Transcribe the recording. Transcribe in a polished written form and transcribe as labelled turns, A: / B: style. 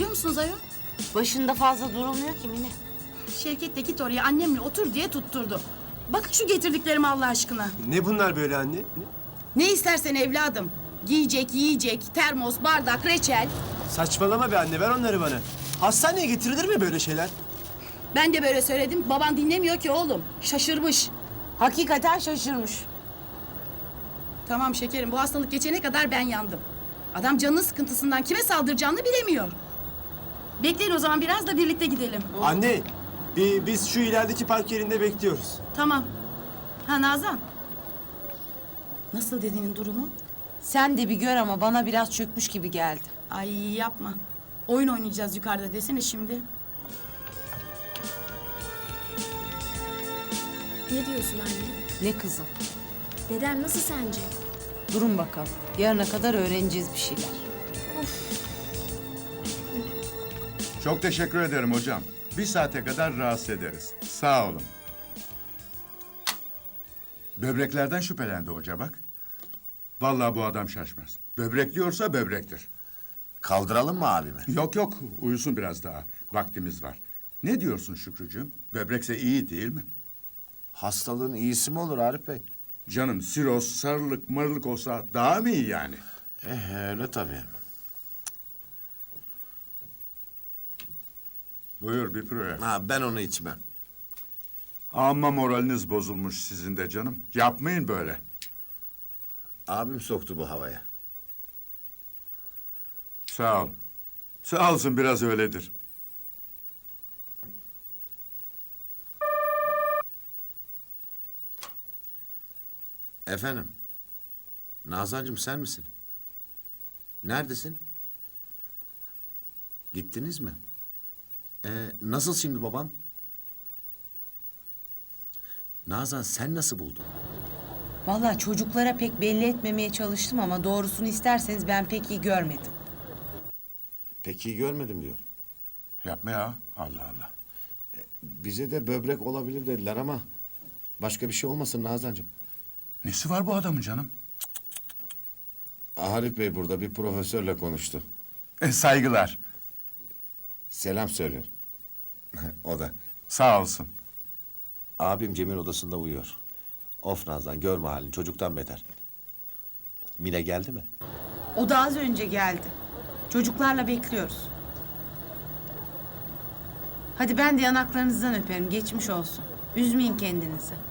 A: görmüyor musunuz ayol?
B: Başında fazla durulmuyor ki Mine.
A: Şevket de git oraya annemle otur diye tutturdu. Bakın şu getirdiklerimi Allah aşkına.
C: Ne bunlar böyle anne?
A: Ne istersen evladım. Giyecek, yiyecek, termos, bardak, reçel.
C: Saçmalama be anne, ver onları bana. Hastaneye getirilir mi böyle şeyler?
A: Ben de böyle söyledim. Baban dinlemiyor ki oğlum. Şaşırmış.
B: Hakikaten şaşırmış.
A: Tamam şekerim, bu hastalık geçene kadar ben yandım. Adam canının sıkıntısından kime saldıracağını bilemiyor. Bekleyin o zaman, biraz da birlikte gidelim.
C: Anne, biz şu ilerideki park yerinde bekliyoruz.
A: Tamam. Ha Nazan. Nasıl dedenin durumu?
B: Sen de bir gör ama bana biraz çökmüş gibi geldi.
A: Ay yapma. Oyun oynayacağız yukarıda desene şimdi.
D: Ne diyorsun anne?
B: Ne kızım?
D: Dedem nasıl sence?
B: Durun bakalım. Yarına kadar öğreneceğiz bir şeyler.
E: Çok teşekkür ederim hocam. Bir saate kadar rahatsız ederiz. Sağ olun. Böbreklerden şüphelendi hoca bak. Vallahi bu adam şaşmaz. Böbrek diyorsa böbrektir.
F: Kaldıralım mı abimi?
E: Yok yok, uyusun biraz daha. Vaktimiz var. Ne diyorsun Şükrücüğüm? Böbrekse iyi değil mi?
F: Hastalığın iyisi mi olur Arif Bey?
E: Canım siroz, sarılık, marılık olsa daha mı iyi yani?
F: Öyle tabii.
E: Buyur bir proje.
F: Ha, ben onu içmem.
E: Amma moraliniz bozulmuş sizin de canım. Yapmayın böyle.
F: Abim soktu bu havaya.
E: Sağ ol. Sağ olsun biraz öyledir.
F: Efendim? Nazancığım sen misin? Neredesin? Gittiniz mi? Nasıl şimdi babam? Nazan sen nasıl buldun?
B: Vallahi çocuklara pek belli etmemeye çalıştım ama doğrusunu isterseniz ben pek iyi görmedim.
F: Pek iyi görmedim diyor.
E: Yapma ya. Allah Allah.
F: Bize de böbrek olabilir dediler ama... ...başka bir şey olmasın Nazancığım.
E: Nesi var bu adamın canım?
F: Arif Bey burada bir profesörle konuştu.
E: Saygılar.
F: Selam söylüyor. O da.
E: Sağ olsun.
F: Abim Cem'in odasında uyuyor. Of Nazan görme halini çocuktan beter. Mine geldi mi?
B: O da az önce geldi. Çocuklarla bekliyoruz. Hadi ben de yanaklarınızdan öperim. Geçmiş olsun. Üzmeyin kendinizi.